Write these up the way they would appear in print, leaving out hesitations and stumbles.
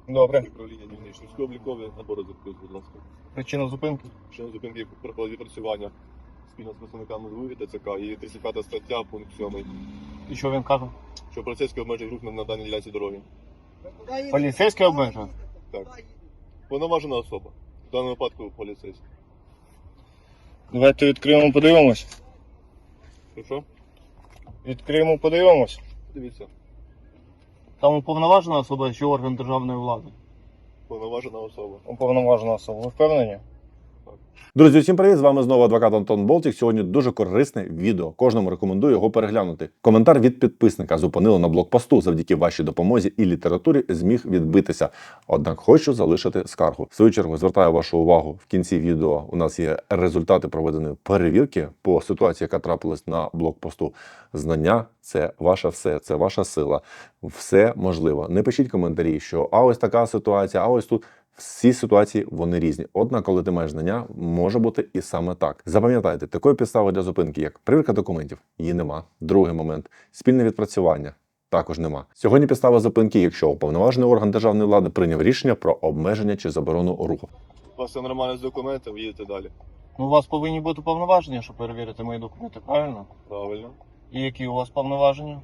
Добре. Управління дільничної облікові набори запитів, будь ласка. Причина зупинки? Причина зупинки проходить відпрацювання спільно з представниками ЗВУ і ТЦК і 35 стаття, пункт 7. І що він каже? Що поліцейський обмежує рух на даній ділянці дороги. Поліцейський обмежує? Так. Повноважена особа. В даному випадку поліцейський. Давайте відкриємо, подивимось. Що? Відкриємо, подивимось. Дивіться. Там уповноважена особа чи орган державної влади? Повноважена особа. Уповноважена особа. Ви впевнені? Друзі, всім привіт! З вами знову адвокат Антон Болтік. Сьогодні дуже корисне відео. Кожному рекомендую його переглянути. Коментар від підписника зупинили на блокпосту. Завдяки вашій допомозі і літературі зміг відбитися. Однак хочу залишити скаргу. В свою чергу звертаю вашу увагу. В кінці відео у нас є результати проведеної перевірки по ситуації, яка трапилась на блокпосту. Знання – це ваше все, це ваша сила. Все можливо. Не пишіть коментарі, що а ось така ситуація, а ось тут. Всі ситуації, вони різні. Однак, коли ти маєш знання, може бути і саме так. Запам'ятайте, такої підстави для зупинки, як перевірка документів, її нема. Другий момент – спільне відпрацювання. Також нема. Сьогодні підстава зупинки, якщо уповноважений орган державної влади прийняв рішення про обмеження чи заборону руху. У вас все нормально з документами, їдете далі. Ну, у вас повинні бути повноваження, щоб перевірити мої документи, правильно? Правильно. І які у вас повноваження?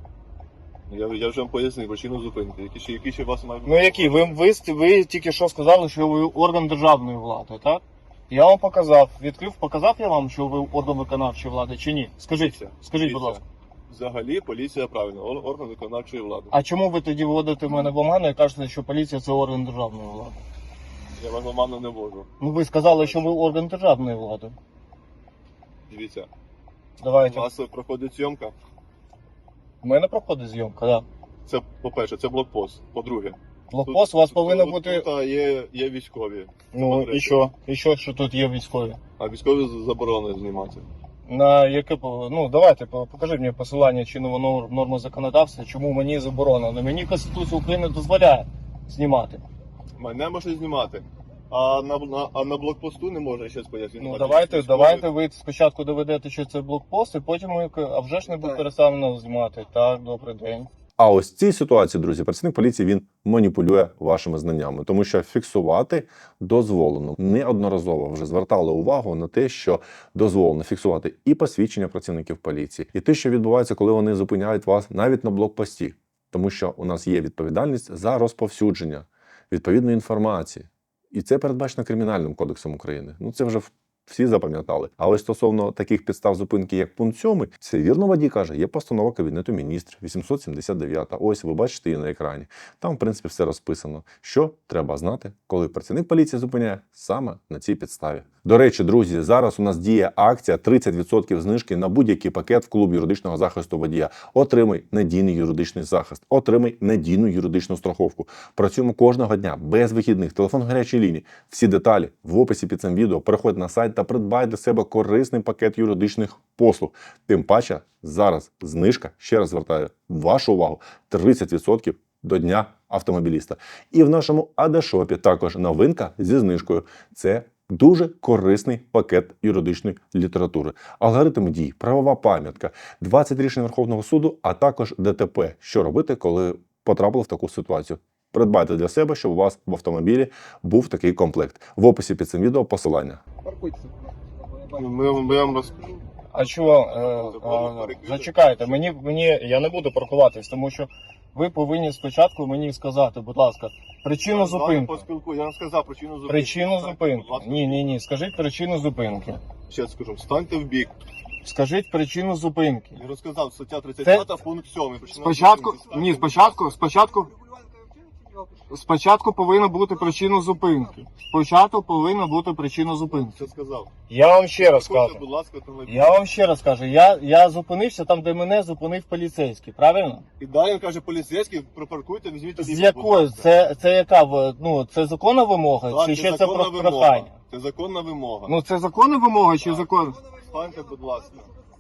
Я вже вам пояснив причину зупинки. Які ще у вас мають? Ну які? Ви тільки що сказали, що ви орган державної влади, так? Я вам показав, відкрив, показав я вам, що ви орган виконавчої влади чи ні? Скажіть, скажіть, будь ласка. Взагалі поліція правильно, орган виконавчої влади. А чому ви тоді вводите мене в оману і кажете, що поліція це орган державної влади? Я вам оману не можу. Ну ви сказали, що ви орган державної влади. Дивіться, у Давайте. вас проходить зйомка. У мене проходить зйомка, так. Це, по-перше, це блокпост. По-друге, Блокпост у вас повинен бути. Тут є військові. Ну і що? І що тут є військові? А військові заборонено знімати. На яке ну давайте покажіть мені посилання чинного норми законодавства, чому мені заборонено. Мені Конституція України дозволяє знімати. Мене можна знімати. А на блокпосту не можна щось пояснити. Ну давайте ви спочатку доведете, що це блокпост, і потім ми, а вже ж не буде переставлено знімати. Так, добрий день. А ось в цій ситуації, друзі, працівник поліції, він маніпулює вашими знаннями, тому що фіксувати дозволено. Неодноразово вже звертали увагу на те, що дозволено фіксувати і посвідчення працівників поліції, і те, що відбувається, коли вони зупиняють вас навіть на блокпості. Тому що у нас є відповідальність за розповсюдження відповідної інформації. І це передбачено Кримінальним кодексом України. Ну це вже всі запам'ятали. Але стосовно таких підстав зупинки, як пункт 7, це вірно водій каже, є постанова Кабінету міністрів 879. Ось ви бачите її на екрані. Там, в принципі, все розписано, що треба знати, коли працівник поліції зупиняє саме на цій підставі. До речі, друзі, зараз у нас діє акція 30% знижки на будь-який пакет в клуб юридичного захисту водія. Отримай надійний юридичний захист, отримай надійну юридичну страховку. Працюємо кожного дня, без вихідних, телефон гарячої лінії. Всі деталі в описі під цим відео. Переходь на сайт та придбай для себе корисний пакет юридичних послуг. Тим паче, зараз знижка, ще раз звертаю вашу увагу, 30% до Дня автомобіліста. І в нашому АД-шопі також новинка зі знижкою. Це дуже корисний пакет юридичної літератури. Алгоритм дій, правова пам'ятка, 20 рішень Верховного суду, а також ДТП. Що робити, коли потрапили в таку ситуацію? Придбайте для себе, щоб у вас в автомобілі був такий комплект. В описі під цим відео посилання. Ми вам розкажу. А чого? Зачекайте, я не буду паркуватись, тому що ви повинні спочатку мені сказати, будь ласка, причину зупинки. Я вам сказав причину зупинки. Причину зупинки. Ні. Скажіть причину зупинки. Ще скажу, встаньте в бік. Скажіть причину зупинки. Я розказав, стаття 35, пункт 7. Спочатку повинна бути причина зупинки. Що сказав? Я вам ще раз кажу. Будь ласка, автомобіль. Я зупинився там, де мене зупинив поліцейський, правильно? І далі каже поліцейський, пропаркуйте, візьміть. З якою? Це яка? Ну, це законна вимога? Так, чи це ще це законна про прохання? Це законна вимога. Ну, це законна вимога чи закон? Встаньте, будь ласка.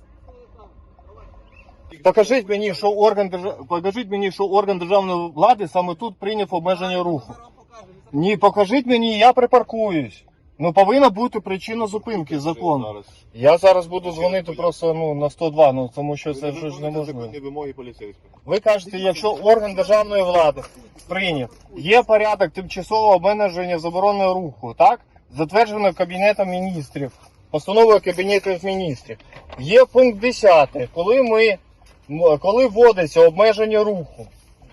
Покажіть мені, що орган державної влади саме тут прийняв обмеження руху. Ні, покажіть мені, я припаркуюсь. Ну повинна бути причина зупинки, закон. Зараз. Я зараз буду дзвонити просто на 102, тому що це Ви ж виконуєте неможливо. законні вимоги поліцейського. Ви кажете, якщо орган державної влади прийняв, є порядок тимчасового обмеження заборони руху, так? Затверджено Кабінетом міністрів, постановою Кабінету міністрів. Є пункт 10, коли вводиться обмеження руху.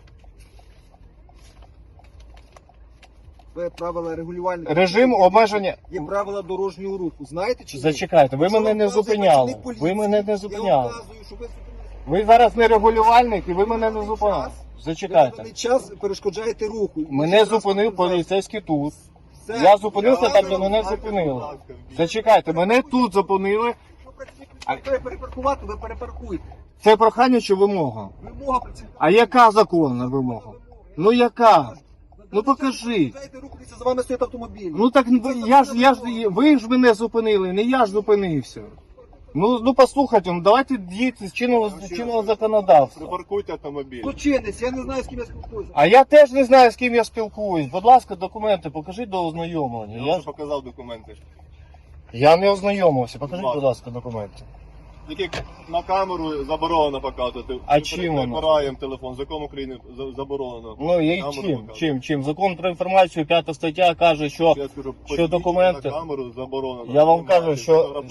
Це правила регулювальних. Режим обмеження. Є правила дорожнього руху. Знаєте чи ні? Зачекайте, ви Якщо мене не вам вказує зупиняли. працівник поліції, Ви мене не Я зупиняли. вам вказую, що ви Ви зараз не регулювальник і ви мене не зупиняли. в Зачекайте. даний час перешкоджаєте руху. Мене зупинив поліцейський тут. Все. Я зупинився там, де Я мене вам зупинили. ласка, Зачекайте, мене тут зупинили. Якщо працівник треба перепаркувати, ви перепаркуєте. Це прохання чи вимога? Вимога працівника. А яка законна вимога? Ну яка? Ну покажи. Дайте рухатися, за вами стоїть автомобіль. Ну так ви ж мене зупинили, не я ж зупинився. Ну послухайте, ну давайте діяти з чинного законодавства. Припаркуйте автомобіль. Злочинець, я не знаю, з ким я спілкуюся. А я теж не знаю, з ким я спілкуюсь. Будь ласка, документи покажіть до ознайомлення. Я вже показав документи. Я не ознайомився. Покажіть, будь ласка, документи. Тільки на камеру заборонено показувати. А Ми чим воно? перебираємо телефон. Закон України заборонено. Ну і Камеру чим? показувати. Чим? Закон про інформацію, 5 стаття каже, що Я скажу, що документи? на камеру заборонено. я вам Знімати, кажу,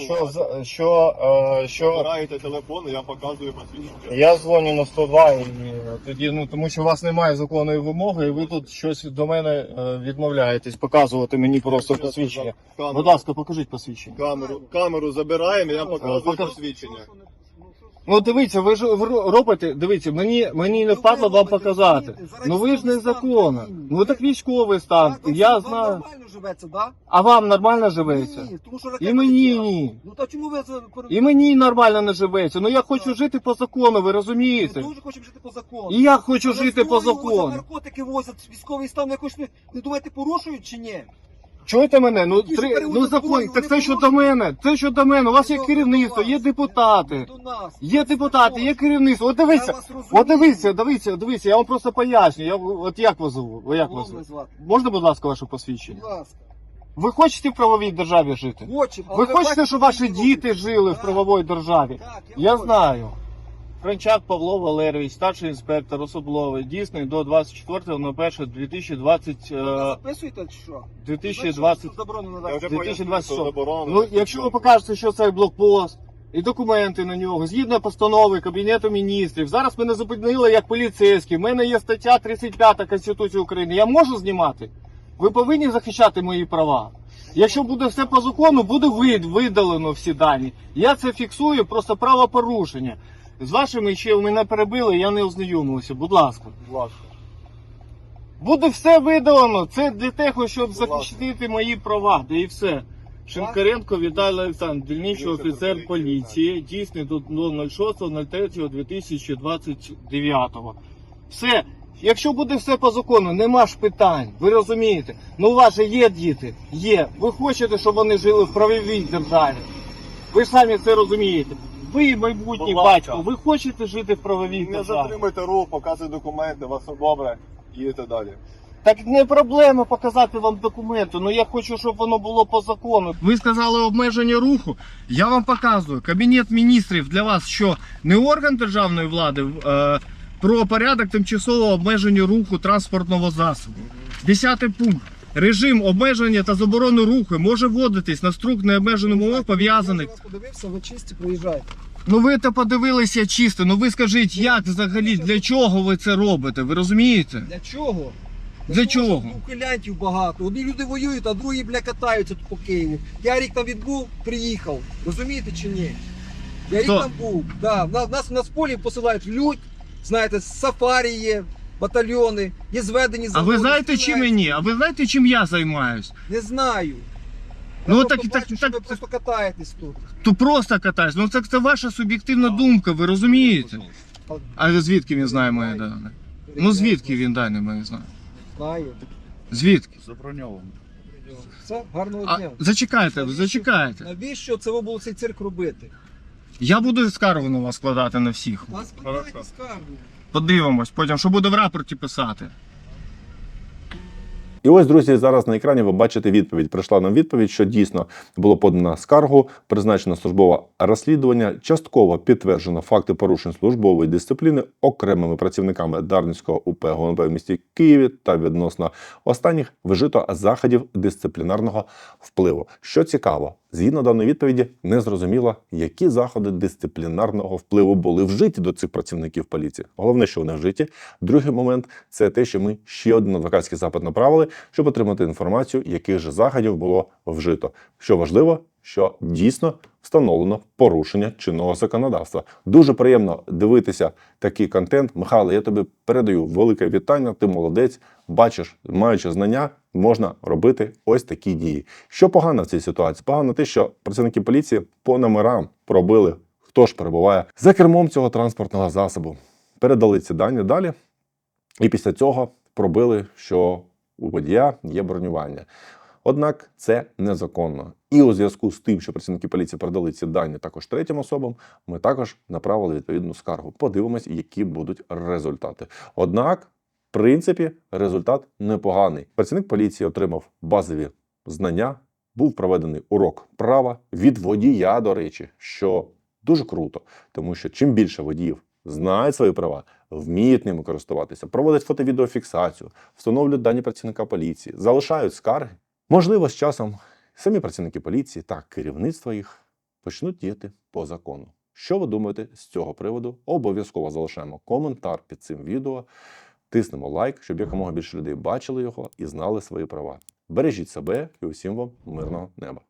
що Забираєте телефон, і я показую посвідчення. я дзвоню на 102 і тоді, тому що у вас немає законної вимоги, і ви тут щось до мене відмовляєтесь показувати мені просто посвідчення. Будь ласка, покажіть посвідчення. Камеру забираємо, і я показую покаж- посвідчення. Ну дивіться, ви ж робите, дивіться, мені не впадло вам показати. Ну ви ж незаконно. Ну так військовий стан, я Вам знаю. нормально живеться, так? А вам нормально живеться? Ні, тому що І мені ні. Ну та чому ви це... І мені нормально не живеться. Ну я хочу жити по закону, ви розумієте? Ми дуже хочемо жити по закону. І я хочу Але жити по зброю возять, закону. наркотики возять, військовий стан, ви хоч не думаєте, порушують чи ні? Чуєте мене? Ну Які ж перевозять закон, зброю, так це вони щодо мене. Це щодо мене. У вас є До керівництво, є вас. депутати. До нас. Є депутати, є керівництво. От дивіться, Я вас розумію. дивіться, я вам просто поясню. От як вас зовут? Ви як вас Можна звуть? звати? Можна, будь ласка, ваше посвідчення? Будь ласка. Ви хочете в правовій державі жити? Хочемо. але Ви хочете, бачите, щоб ваші що діти робите? жили в Так, правовій державі? Так, Я хочу. знаю. Франчак Павло Валерійович, старший інспектор особливий, дійсний до 24.01.2020. Ви записуєте чи що? 2020. Що заборонено Я так? вже 2026. пояснив, що заборонено. Ну, якщо ви покажете, що це блокпост, і документи на нього, згідно постанови Кабінету міністрів, зараз мене зупинили як поліцейський, в мене є стаття 35 Конституції України, я можу знімати? Ви повинні захищати мої права. Якщо буде все по закону, буде видалено всі дані. Я це фіксую, просто правопорушення. З вашими ще мене перебили, я не ознайомився, будь ласка. Будь ласка. Буде все видалено, це для того, щоб Будь ласка. захистити мої права, да і все. Шинкаренко Віталій Олександрович, дільничний офіцер поліції, дійсний до 06.03.2029. Все. Якщо буде все по закону, нема ж питань, ви розумієте. Ну у вас же є діти, є. Ви хочете, щоб вони жили в правовій державі. Ви ж самі це розумієте. Ви майбутній Будь ласка. батько, ви хочете жити в правовій Не державі. затримуйте рух, показуйте документи, вас все добре, їдете далі. Так не проблема показати вам документи, ну я хочу, щоб воно було по закону. Ви сказали обмеження руху, я вам показую. Кабінет міністрів для вас що, не орган державної влади, про порядок тимчасового обмеження руху транспортного засобу. 10 пункт. Режим обмеження та заборони руху може вводитись на струк необмежених умов пов'язаних. Я вас подивився, ви чисті, приїжджайте. Ну ви то подивилися чисто, ну ви скажіть, як взагалі, для чого ви це робите, ви розумієте? Для чого? Для чого? що ухилянтів багато. Одні люди воюють, а другі, бля, катаються тут по Києву. Я рік там відбув, приїхав. Розумієте чи ні? Я рік Хто? там був. Да, нас з полів посилають людь, знаєте, сафарі є, батальйони, є зведені А заводи. ви знаєте, чим стріляють. мені? А ви знаєте, чим я займаюсь? Не знаю. Ну, Я так- просто так- бачу, що так- ви просто катаєтесь тут. То просто катаюсь. Ну це ваша суб'єктивна думка, ви розумієте? А звідки він знає мої дані? Ну звідки він дані мої знає? Знаю. Звідки? Заброньовано. Все, гарного А, дня. зачекайте, зачекайте. Навіщо це ви було цей цирк робити? Я буду скаргу на вас складати на всіх. Вас складайте скаргу. Подивимось, потім, що буде в рапорті писати. І ось, друзі, зараз на екрані ви бачите відповідь. Прийшла нам відповідь, що дійсно було подано скаргу, призначено службове розслідування, частково підтверджено факти порушень службової дисципліни окремими працівниками Дарницького УП ГУНП в місті Києві та відносно останніх вжито заходів дисциплінарного впливу. Що цікаво, згідно даної відповіді, не зрозуміло, які заходи дисциплінарного впливу були вжиті до цих працівників поліції. Головне, що вони вжиті. Другий момент – це те, що ми ще один адвокатський запит направили, щоб отримати інформацію, яких же заходів було вжито. Що важливо, що дійсно встановлено порушення чинного законодавства. Дуже приємно дивитися такий контент. Михайло, я тобі передаю велике вітання, ти молодець, бачиш, маючи знання, можна робити ось такі дії. Що погано в цій ситуації? Погано те, що працівники поліції по номерам пробили, хто ж перебуває за кермом цього транспортного засобу. Передали ці дані далі, і після цього пробили, що у водія є бронювання. Однак це незаконно. І у зв'язку з тим, що працівники поліції передали ці дані також третім особам, ми також направили відповідну скаргу. Подивимось, які будуть результати. Однак, в принципі, результат непоганий. Працівник поліції отримав базові знання, був проведений урок права від водія, до речі, що дуже круто, тому що чим більше водіїв знають свої права, вміють ними користуватися, проводять фото-відеофіксацію, встановлюють дані працівника поліції, залишають скарги, можливо, з часом самі працівники поліції та керівництво їх почнуть діяти по закону. Що ви думаєте з цього приводу? Обов'язково залишаємо коментар під цим відео, тиснемо лайк, щоб якомога більше людей бачили його і знали свої права. Бережіть себе і усім вам мирного неба.